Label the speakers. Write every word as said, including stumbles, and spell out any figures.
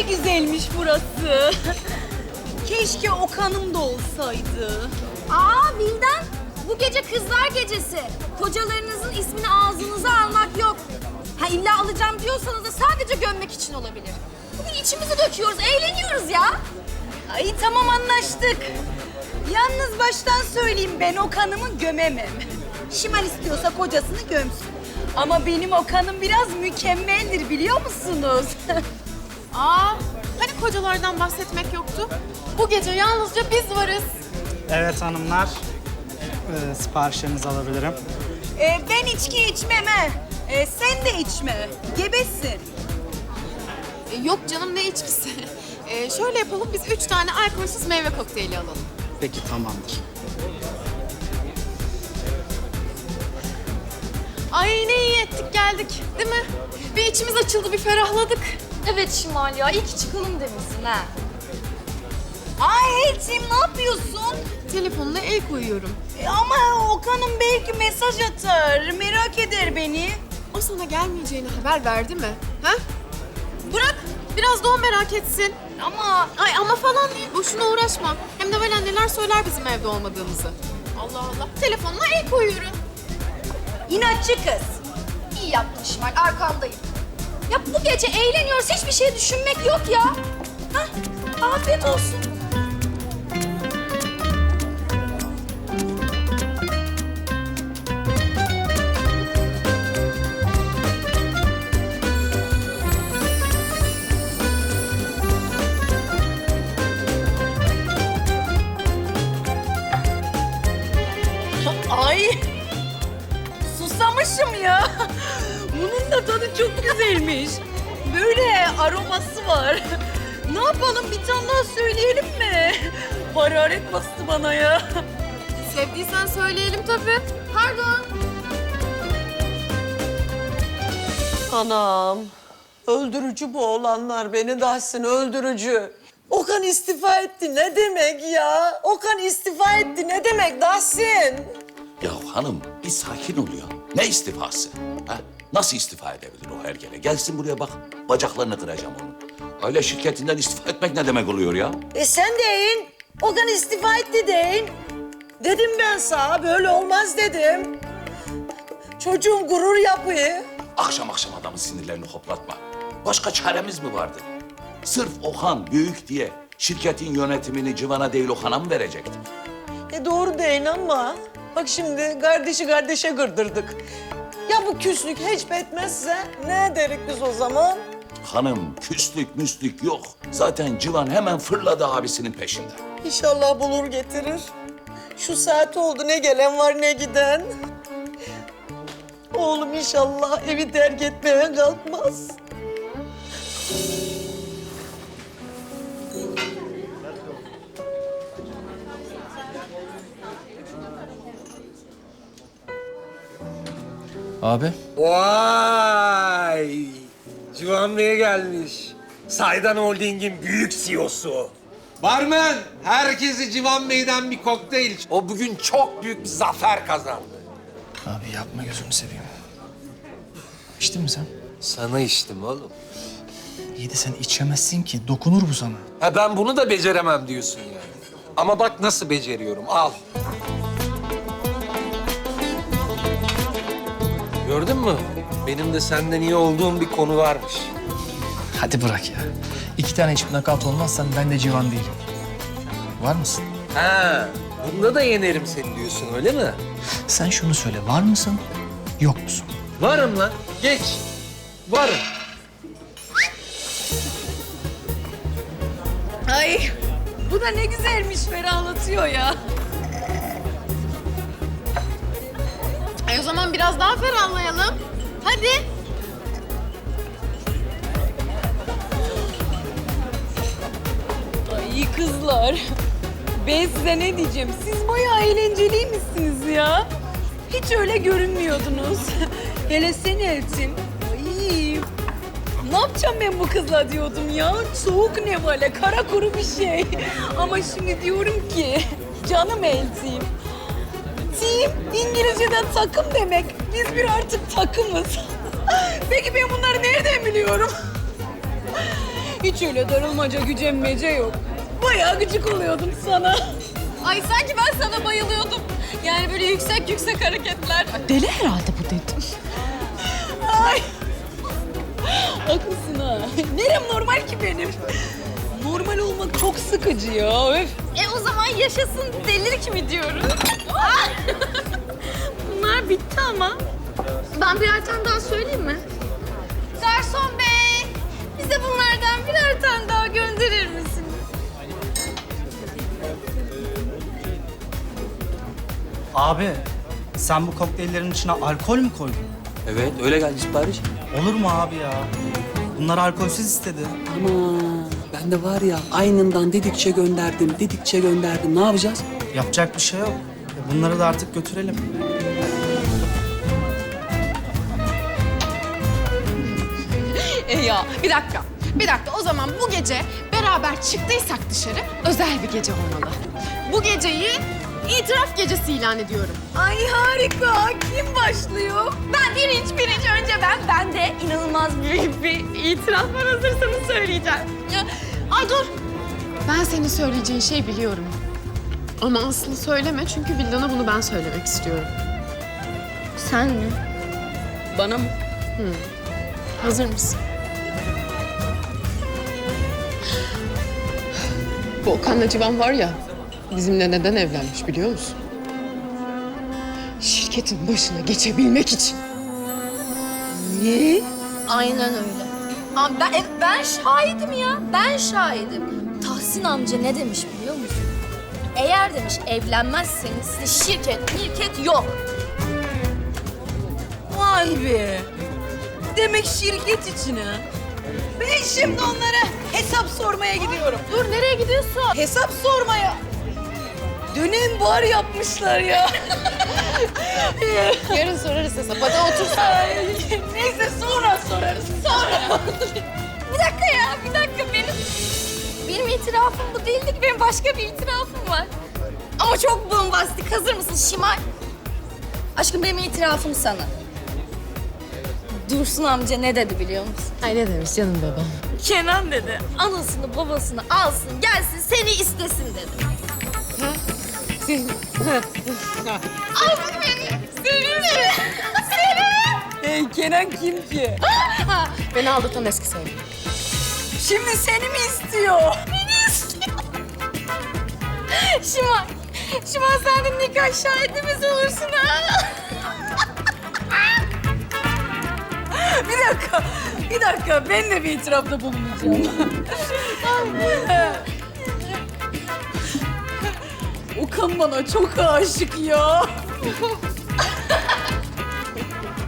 Speaker 1: de güzelmiş burası. Keşke Okan'ım da olsaydı.
Speaker 2: Aa Bildan, bu gece kızlar gecesi. Kocalarınızın ismini ağzınıza almak yok. Ha illa alacağım diyorsanız da sadece gömmek için olabilir. Bugün içimizi döküyoruz, eğleniyoruz ya.
Speaker 1: Ay tamam anlaştık. Yalnız baştan söyleyeyim ben Okan'ımı gömemem. Şimal istiyorsa kocasını gömsün. Ama benim Okan'ım biraz mükemmeldir biliyor musunuz?
Speaker 3: Aa, hani kocalardan bahsetmek yoktu? Bu gece yalnızca biz varız.
Speaker 4: Evet hanımlar, ee, siparişlerinizi alabilirim.
Speaker 1: Ee, ben içki içmem ha. Ee, sen de içme. Gebesin.
Speaker 3: E, yok canım, ne içkisi? E, şöyle yapalım, biz üç tane alkolsüz meyve kokteyli alalım.
Speaker 4: Peki tamamdır.
Speaker 3: Ay ne iyi ettik geldik, değil mi? Bir içimiz açıldı, bir ferahladık.
Speaker 2: Evet Şimal ya, iyi ki çıkalım demişsin ha.
Speaker 1: Ay Elçin ne yapıyorsun?
Speaker 3: Telefonuna el koyuyorum.
Speaker 1: E, ama Okan'ım belki mesaj atar. Merak eder beni.
Speaker 3: O sana gelmeyeceğini haber verdi mi? Ha? Bırak, biraz da o merak etsin.
Speaker 1: Ama
Speaker 3: Ay ama falan değil, boşuna uğraşma. Hem de böyle neler söyler bizim evde olmadığımızı. Allah Allah, telefonuna el koyuyorum.
Speaker 1: inatçı kız.
Speaker 2: İyi yaptın Şimal, arkandayım. Ya bu gece eğleniyoruz, hiçbir şey düşünmek yok ya.
Speaker 1: Hah, afiyet olsun. Ay, susamışım ya. Bunun da tadı çok güzelmiş. Böyle aroması var. Ne yapalım, bir tane daha söyleyelim mi? Hararet bastı bana ya.
Speaker 3: Sevdiysen söyleyelim tabii.
Speaker 2: Pardon.
Speaker 5: Anam, öldürücü bu olanlar beni Dahsin, öldürücü. Okan istifa etti ne demek ya? Okan istifa etti ne demek Dahsin?
Speaker 6: Ya hanım bir sakin ol ya. Ne istifası? Ha? Nasıl istifa edebilir o hergele? Gelsin buraya bak. Bacaklarını kıracağım onun. Aile şirketinden istifa etmek ne demek oluyor ya?
Speaker 5: E sen deyin, Okan istifa etti deyin. Dedim ben sana, böyle olmaz dedim. Çocuğun gurur yapıyı.
Speaker 6: Akşam akşam adamın sinirlerini hoplatma. Başka çaremiz mi vardı? Sırf Okan büyük diye şirketin yönetimini Civan'a değil Okan'a mı verecektik?
Speaker 5: E doğru deyin ama bak şimdi kardeşi kardeşe kırdırdık. Ya bu küslük hiç etmezse ne ederiz biz o zaman?
Speaker 6: Hanım küslük müslük yok. Zaten Civan hemen fırladı abisinin peşinden.
Speaker 5: İnşallah bulur getirir. Şu saat oldu ne gelen var ne giden. Oğlum inşallah evi terk etmeye kalkmaz.
Speaker 7: Abi.
Speaker 8: Vay! Civan Bey gelmiş. Saydan Holding'in büyük C E O'su. Barmen, herkesi Civan Bey'den bir kokteyl. O bugün çok büyük bir zafer kazandı.
Speaker 7: Abi yapma gözünü seveyim. İçtin mi sen?
Speaker 8: Sana içtim oğlum.
Speaker 7: İyi de sen içemezsin ki. Dokunur bu sana.
Speaker 8: Ha ben bunu da beceremem diyorsun yani. Ama bak nasıl beceriyorum, al. Gördün mü? Benim de senden iyi olduğum bir konu varmış.
Speaker 7: Hadi bırak ya. İki tane içip nakavt olmazsan ben de civan değilim. Var mısın?
Speaker 8: Ha, bunda da yenerim seni diyorsun öyle mi?
Speaker 7: Sen şunu söyle. Var mısın? Yok musun?
Speaker 8: Varım lan, geç. Varım.
Speaker 1: Ay, bu da ne güzelmiş, ferahlatıyor ya.
Speaker 3: Ay o zaman biraz daha ferahlayalım. Hadi.
Speaker 1: Ay kızlar, ben size ne diyeceğim? Siz bayağı eğlenceliymişsiniz ya. Hiç öyle görünmüyordunuz. Hele sen Elçin. Ay, ne yapacağım ben bu kızla diyordum ya. Soğuk ne böyle, kara kuru bir şey. Ama şimdi diyorum ki, canım Elçin. Team, İngilizce'den takım demek. Biz bir artık takımız. Peki ben bunları nereden biliyorum? Hiç öyle darılmaca, gücenmece yok. Bayağı gıcık oluyordum sana.
Speaker 3: Ay sanki ben sana bayılıyordum. Yani böyle yüksek yüksek hareketler.
Speaker 1: Deli herhalde bu dedim. Ay. Haklısın ha. Nerem normal ki benim? Normal olmak çok sıkıcı ya. Öf.
Speaker 2: E o zaman yaşasın delilik mi diyoruz? Bunlar bitti ama. Ben birer tane daha söyleyeyim mi? Garson bey, bize bunlardan birer tane daha gönderir misiniz?
Speaker 4: Abi sen bu kokteyllerin içine alkol mü koydun?
Speaker 9: Evet, öyle geldi sipariş.
Speaker 4: Olur mu abi ya? Bunlar alkolsüz istedi.
Speaker 9: Ama ben de var ya aynından dedikçe gönderdim, dedikçe gönderdim. Ne yapacağız?
Speaker 4: Yapacak bir şey yok. E, Bunları da artık götürelim.
Speaker 3: E ya bir dakika. Bir dakika o zaman bu gece beraber çıktıysak dışarı özel bir gece olmalı. Bu geceyi itiraf gecesi ilan ediyorum.
Speaker 1: Ay harika. Kim başlıyor?
Speaker 2: Ben birinci, birinci önce ben. Ben de inanılmaz büyük bir itiraf var. Hazırsanız söyleyeceğim.
Speaker 3: Ya, ay dur. Ben senin söyleyeceğin şeyi biliyorum. Ama aslında söyleme çünkü Vildan'a bunu ben söylemek istiyorum.
Speaker 2: Sen mi?
Speaker 1: Bana mı?
Speaker 3: Hazır mısın? Bu Okan'la Civan var ya, bizimle neden evlenmiş biliyor musun? Şirketin başına geçebilmek için.
Speaker 1: Ne?
Speaker 2: Aynen öyle. Ama ben, e, ben şahidim ya. Ben şahidim. Tahsin amca ne demiş biliyor musun? Eğer demiş evlenmezseniz size şirket, mirket yok.
Speaker 1: Vay be. Demek şirket için ha. Ben şimdi onlara hesap sormaya gidiyorum.
Speaker 2: Dur nereye gidiyorsun?
Speaker 1: Hesap sormaya. Dönem bar yapmışlar ya.
Speaker 3: Yarın sorarız hesap. Hadi otur.
Speaker 1: Ay, neyse sonra sorarız. Sonra.
Speaker 2: Bir dakika ya, bir dakika benim... Benim itirafım bu değildi ki, benim başka bir itirafım var. Ama çok bombastik. Hazır mısın Şimal? Aşkım benim itirafım sana. Dursun amca ne dedi biliyor musun?
Speaker 3: Ay ne demiş canım babam?
Speaker 2: Kenan dedi, anasını babasını alsın, gelsin seni istesin dedi. Al beni, seni mi? Seni!
Speaker 1: Hey, Kenan kim ki?
Speaker 3: Ha, beni aldatan eski sevgilim.
Speaker 1: Şimdi seni mi istiyor?
Speaker 2: Beni istiyor. Şimal, Şimal sen de nikah şahidimiz olursun ha.
Speaker 1: Bir dakika, bir dakika. Ben de bir itirafta bulunacağım. Okan bana çok aşık ya.